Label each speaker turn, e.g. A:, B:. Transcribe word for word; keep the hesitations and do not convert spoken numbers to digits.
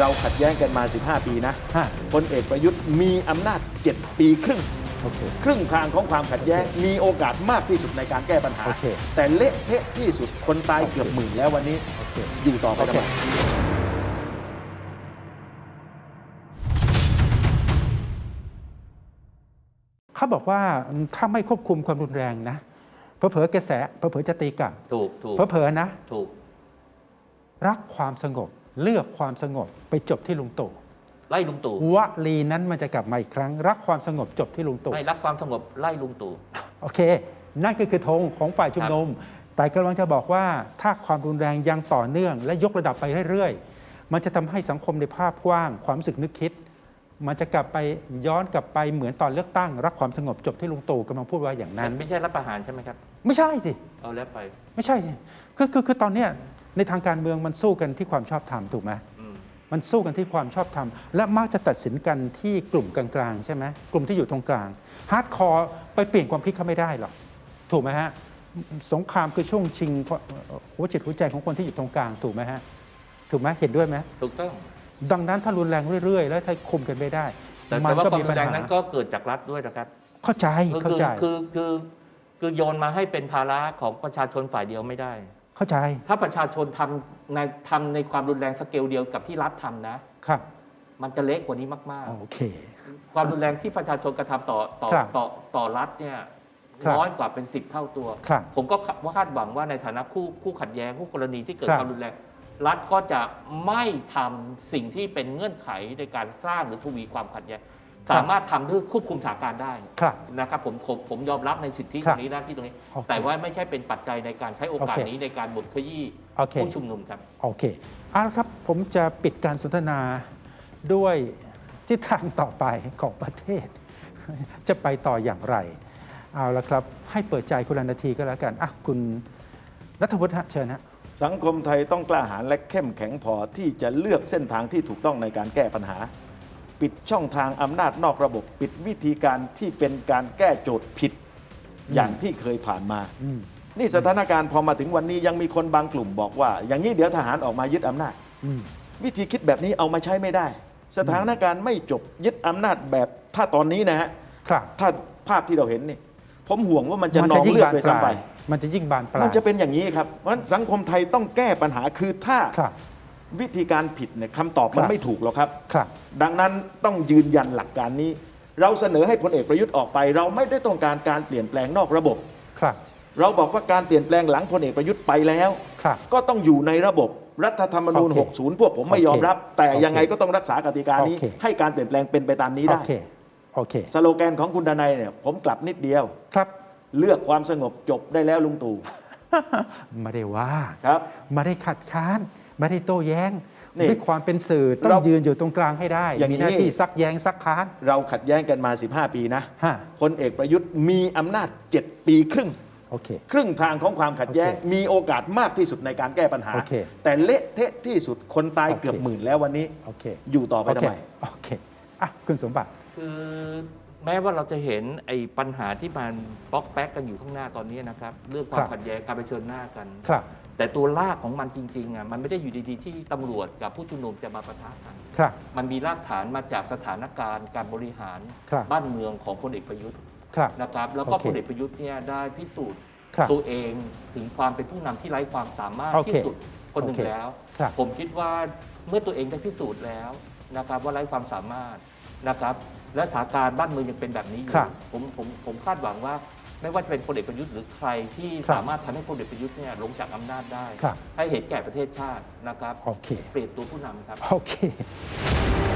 A: เราขัดแย้งกันมาสิบห้าปีนะ
B: ฮะ
A: พลเอกประยุทธ์มีอำนาจเจ็ดปีครึ่ง
B: โอเค
A: ครึ่งทางของความขัดแย้ง มีโอกาสมากที่สุดในการแก้ปัญหา
B: โอเค
A: แต่เละเทะที่สุดคนตาย
B: โอเค
A: เกือบหมื่นแล้ววันนี้
B: โอเค
A: อยู่ต่อไปทำไม
B: เขาบอกว่าถ้าไม่ควบคุมความรุนแรงนะเผลอๆกระแสเผลอๆจะตีกลับ
C: ถูกถูก
B: เผลอๆนะ
C: ถูก
B: รักความสงบเลือกความสงบไปจบที่ลุงตู่
C: ไล่ลุงตู่
B: วลีนั้นมันจะกลับมาอีกครั้ง รักความสงบจบที่ลุงตู่
C: ไม่รักความสงบไล่ลุงตู่
B: โอเค นั่นก็คือธงของฝ่ายชุมนุม แต่กำลังจะบอกว่าถ้าความรุนแรงยังต่อเนื่อง และยกระดับไปเรื่อยๆ มันจะทำให้สังคมในภาพกว้าง ความรู้สึกนึกคิด มันจะกลับไปย้อนกลับไปเหมือนตอนเลือกตั้ง รักความสงบจบที่ลุงตู่กำลังพูดว่าอย่างนั้น
C: ไม่ใช่รัฐประหารใช่ไหมครับ
B: ไม่ใช่สิ
C: เอาแล้วไป
B: ไม่ใช่สิคือคือคือตอนเนี้ยในทางการเมืองมันสู้กันที่ความชอบธรรมถูกไหม
C: อืม
B: มันสู้กันที่ความชอบธรรมและมักจะตัดสินกันที่กลุ่มกลางๆใช่ไหมกลุ่มที่อยู่ตรงกลางฮาร์ดคอร์ไปเปลี่ยนความคิดเขาไม่ได้หรอกถูกไหมฮะสงครามคือช่วงชิงหัวจิตหัวใจของคนที่อยู่ตรงกลางถูกไหมฮะถูกไหมเห็นด้วยไหม
C: ถูกต้อง
B: ดังนั้นถ้ารุนแรงเรื่อยๆ แล้วถ้าคุมกันไม่ได้
C: แต่แต่ว่าความรุนแรง
B: ห
C: นั้นก็เกิดจากรัฐด้วยนะครับ
B: เข้าใจ
C: คือ
B: เข้าใจ
C: คือคือคือโยนมาให้เป็นภาระของประชาชนฝ่ายเดียวไม่ได้
B: เข้าใจ
C: ถ้าประชาชนทำในทำในความรุนแรงสเกลเดียวกับที่รัฐทำนะ
B: ครับ
C: มันจะเละกว่านี้มาก
B: โอเค
C: ๆ ความรุนแรงที่ประชาชนกระทำต่อต่อ
B: ครับ
C: ต่อต่อรัฐเนี่ย
B: ครับ
C: น้อยกว่าเป็นสิบเท่าตัว
B: ครับ
C: ผมก็คาดหวังว่าในฐานะคู่คู่ขัดแย้งคู่กรณีที่เกิด
B: ครับ
C: ความรุนแรง รัฐก็จะไม่ทำสิ่งที่เป็นเงื่อนไขในการสร้างหรือทวีความขัดแย้งสามารถทำด้วยควบคุมสถานการณ์ได้
B: ครับ
C: นะครับผมผมผมยอมรับในสิทธิ
B: ค
C: ต
B: รั
C: ร
B: บ
C: งนี้หน้าที่ตรงนี้
B: โอเค
C: แต่ว่าไม่ใช่เป็นปัจจัยในการใช้โอกาส
B: โอเค
C: นี้ในการบดขยี้
B: โอเค
C: ผู้ชุมนุมครับ
B: โอเคเอาละครับผมจะปิดการสนทนาด้วยทิศทางต่อไปของประเทศ จะไปต่ออย่างไร เอาละครับ ให้เปิดใจคุณละนาทีก็แล้วกันอ่ะคุณรัฐวุฒิฮะเชิญฮะ
A: สังคมไทยต้องกล้าหาญและเข้มแข็งพอที่จะเลือกเส้นทางที่ถูกต้องในการแก้ปัญหา ปิดช่องทางอำนาจนอกระบบ ปิดวิธีการที่เป็นการแก้โจทย์ผิดอย่างที่เคยผ่านมา
B: อืม
A: นี่สถานการณ์พอมาถึงวันนี้ยังมีคนบางกลุ่มบอกว่า อย่างนี้เดี๋ยวทหารออกมายึดอำนาจ
B: อืม
A: วิธีคิดแบบนี้เอามาใช้ไม่ได้ สถานการณ์ไม่จบยึดอำนาจแบบถ้าตอนนี้นะฮะ
B: ครับ
A: ถ้าภาพที่เราเห็นนี่ผมห่วงว่ามันจะนองเลือดด้วยซ้ำไป
B: มันจะยิ่งบานปลาย
A: มันจะเป็นอย่างนี้ครับ เพราะฉะนั้นสังคมไทยต้องแก้ปัญหาคือถ้า
B: ครับ
A: วิธีการผิดเนี่ยคำตอบมัน
B: ครับ
A: ไม่ถูกหรอกครับ
B: ครับ
A: ดังนั้นต้องยืนยันหลักการนี้ เราเสนอให้พลเอกประยุทธ์ออกไป เราไม่ได้ต้องการการเปลี่ยนแปลงนอกระบบ
B: ครับ
A: เราบอกว่าการเปลี่ยนแปลงหลังพลเอกประยุทธ์ไปแล้ว
B: ครับ
A: ก็ต้องอยู่ในระบบรัฐธรรมนูญ
B: โอเค
A: หกสิบ พวกผมไม่ยอมรับ แต่
B: โอเค
A: ยังไงก็ต้องรักษากติกานี้
B: โอเค
A: ให้การเปลี่ยนแปลงเป็นไปตามนี้
B: โอ
A: ได้
B: เค โอเค
A: สโลแกนของคุณดนัยเนี่ยผมกลับนิดเดียว
B: ครับ
A: เลือกความสงบจบได้แล้วลุงตู่
B: ไม่ได้ว่า
A: ครับ
B: ไม่ได้ขัดค้านไม่ได้โต้แย้ง
A: นี่
B: ด้วยความเป็นสื่อต้อ
A: เรา
B: งยืนอยู่ตรงกลางให้ได้
A: อย่างนี้
B: มีหน้าที่ซักแย้งซักค้าน
A: เราขัดแย้งกันมาสิบห้าปีนะ
B: ฮะ
A: พลเอกประยุทธ์มีอำนาจเจ็ดปีครึ่ง
B: โอเค
A: ครึ่งทางของความขัดแย้ง
B: โอเค
A: มีโอกาสมากที่สุดในการแก้ปัญหา
B: โอเค
A: แต่เละเทะที่สุดคนตาย
B: โอเค
A: เกือบหมื่นแล้ววันนี้
B: โอเค
A: อยู่ต่อไป
B: โอ
A: ทำ
B: เค
A: ไม
B: โอเคอ่ะคุณสมบัติ
C: คือแม้ว่าเราจะเห็นไอ้ปัญหาที่มันป๊อกแป๊กกันอยู่ข้างหน้าตอนนี้นะครับเรื่องควา
B: ค
C: ม
B: รับ
C: ขัดแย้งการเผชิญหน้ากัน
B: ครับ
C: แต่ตัวรากของมันจริงๆอ่ะมันไม่ได้อยู่ดีๆที่ตำรวจกับผู้ชุมนุมจะมาปะทะกัน
B: ครับ
C: มันมีรากฐานมาจากสถานการณ์การบริหาร
B: ครับ
C: บ้านเมืองของพลเอกประยุทธ์
B: ครับ
C: นะครับแล้วก็
B: โอเค
C: พลเอกประยุทธ์เนี่ยได้พิสูจน์
B: ครับ
C: ตัวเองถึงความเป็นผู้นำที่ไร้ความสามารถ
B: โอเค
C: ที่สุดคนหนึ่ง
B: โอเค
C: แล้ว
B: ครับ
C: ผมคิดว่าเมื่อตัวเองได้พิสูจน์แล้วนะครับว่าไร้ความสามารถนะครับและสถานการณ์บ้านเมืองยังเป็นแบบนี้อยู่
B: ครับ
C: ผมผมผมคาดหวังว่าไม่ว่าจะเป็นพลเอกประยุทธ์หรือใครที่
B: ครับ
C: สามารถทำให้พลเอกประยุทธ์เนี่ยลงจากอำนาจได้
B: ครับ
C: ให้เห็นแก่ประเทศชาตินะครับ
B: โอเค
C: เปลี่ยนตัวผู้นำครับ
B: โอเค